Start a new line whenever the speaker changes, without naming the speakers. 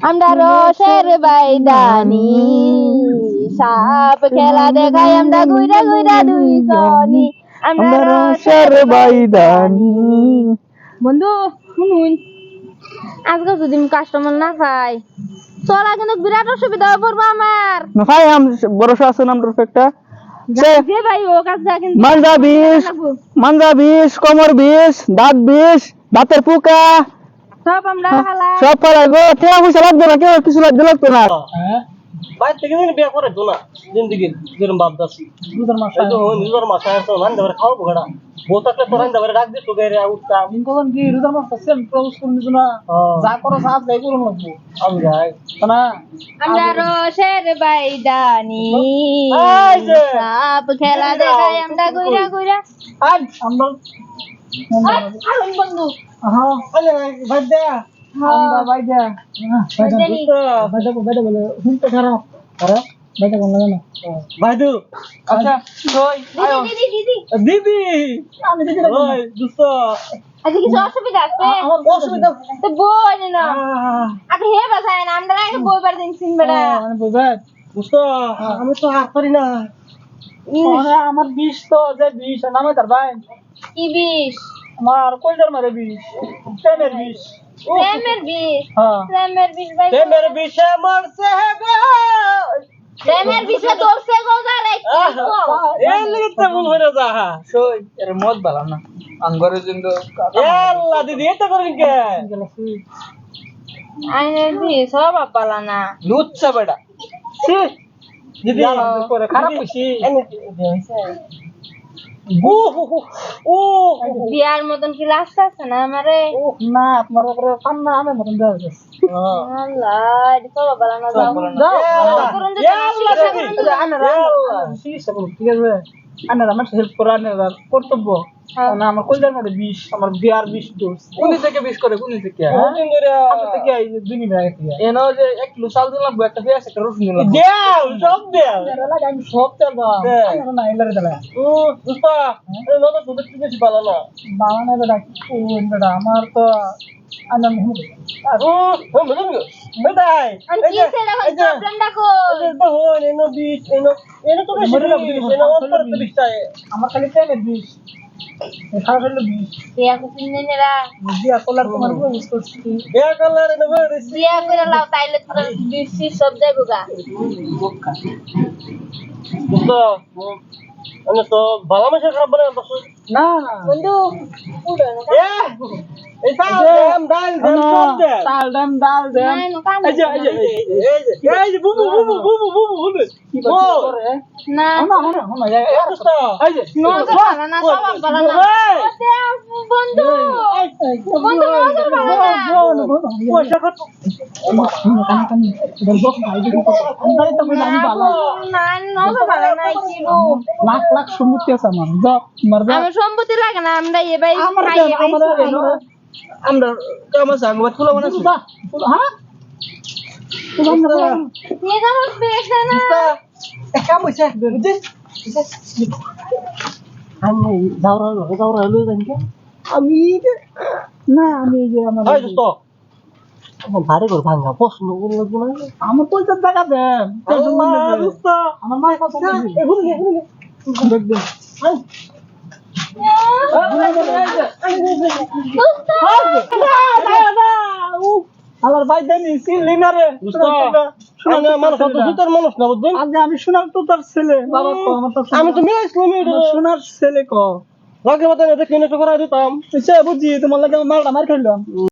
আমরা রসের বাইদানি সাপ খেলা দেখাই আমরা গুইরা গুইরা দুইজনই আমরা রসের বাইদানি। বন্ধু শুনুন, আজকে যদি কাস্টমার না পাই চলা কিন্তু বিরাট অসুবিধা হয়ে পড়বো আমার।
না ভাই ভরসা আছে না আমার একটা
যে ভাই ও কাজ কিন্তু
মাঞ্জা বিষ কোমর বিষ দাঁত বিষ দাঁতের পোকা
সব আমরা
সব পালাইবো। ঠেয়া পয়সা লাগবে না, কেউ কিছু লাগবে না।
বাইরে থেকে বিয়ে করে তো না জিন্দগি যেরকম ভাবতাছি রোজার মাস আসতো রান্না করে খাওয়াবো ঘাড়া বউ থাকলে তো রান্না করে ডাক দিত গায়ে উঠতাম
কখন কি রোজার মাস সেম প্রপোজ করে দিছ না, যা করো সাথ যাই করো লাগবো
আমি যাই
না।
আমরা রসের বাইদানি সাপ খেলা দেখাই আমরা গুইরা গুইরা
আজ আমরা
বন্ধু
বাইদা আমরা বাইদা বাইদা বলে শুনতে খারাপ আরে বাইদা বল না
ভাইদু
আচ্ছা কই আয়ো
দিদি
আমি দিদি
ওই দোস্ত
আজকে কিছু অসুবিধা আছে?
আমার অসুবিধা
তো বই না আগে হে বাসায় না আমরা আগে বই বার দিন সিন বেড়া
মানে বুঝাই
দোস্ত আমি তো হাত পারি না
আমার বিষ তো যে বিষ নামে তার ভাই
কি বিষ?
আমার কইজার মারে বিষ প্রেমের বিষ
প্রেমের বিষ?
হ্যাঁ
প্রেমের বিষ ভাই
তে মেরে বিষে মরছে গো
প্রেমের বিষে তোরছে গোজা রে
এই লিখতে ভুল হয়ে যা
সই এর মত বালা না আঙ্গরে জিন্দ
আল্লাহ দিদি এটা করেন কে
আইনে দি সব আপালা না
লুচ্ছা বেটা
দিদি
করে খারাপ হইছি
ও ও
বিয়ার মতন কি লাস্ট আছে না আমারে
না আপনার উপরে কান্না আমি মতন দেওয়া
আল্লাহ এটা সব আপালা না যাও করুন যে
ঠিক আছে আনারা আমার হেল্প করা আনারা কর্তব্য না আমার কইজার মধ্যে বিষ আমার বিয়ার বিষ দোষ কোনি থেকে বিষ করে কোনি থেকে
দিন ধরে
আমার থেকে এই যে দুই মিনিট আগে এনো যে এক কিলো চাল দিলাম একটা পেঁয়াজ একটা রসুন দিলাম
দেও সব দেও
আমি সব চালবা না এলারে দিলা
ও দোস্ত এই নতুন দুধ একটু বেশি ভালো না
বাবা না বেটা কোন বেটা আমার তো আনন্দ
ও ও মেদন গো মেদাই
আমি কি সেটা প্রবলেম দেখো
এই তো হন এনো বিষ এনো তো বেশি এনো অন্তর তো বিষটাই
আমার খালি প্রেমের বিষ খারাপ হলো বিষ
বিয়া কুপিনে নেরা
দিয়া কলার তোমার উপর বিষ করছি
বিয়া করলার এনো বেশি
বিয়া করে লাও তাইলে তোর বেশি সব যাইবো গা
দোস্ত আমি তো ভালো মাসে খারাপ বানাই বস
না
বন্ধু উড়ে না
এই সাল দাম ডাল দাম সব দে
তাল দাম ডাল দাম
নাই নো কান
এই যে বুবু কি করে
না
না
দোস্ত
এই যে
নো ভালো না সব ভালো না ওতে বন্ধু বন্ধু নজর ভালো না
পয়সা কত
না নজর ভালো না কি গো
লাখ লাখ সম্পত্তি আছে আমার মারবা
আমার সম্পত্তি লাগে না আমরা এ ভাই খাই এ ভাই
আমরা আমার সাংবাদ খুলে মানে
হ্যাঁ
নিয়ে যাবো বেশ না
কাম হইছে বুঝছিস আমি যাওরা হলো জানকে আমি
না আমি যে আমার
এই দোস্ত আমার ভারে করে ভাঙা প্রশ্ন করলো না
আমার পয়সা টাকা দেন
দোস্ত
আমার মায়ের কথা দেখবেন আমার ভাই জানি চিনলি না রে
শুনে মানুষ তো জুতার মানুষ না বুঝছেন
আগে আমি শোনার তো তার ছেলে বাবা তো আমার তো
আমি তো মিলাইছিলাম
শোনার ছেলে ক
লাগে মতো দেখে নেটো করা দিতাম
বুঝছি তোমার লাগে মারটা মার খাইলাম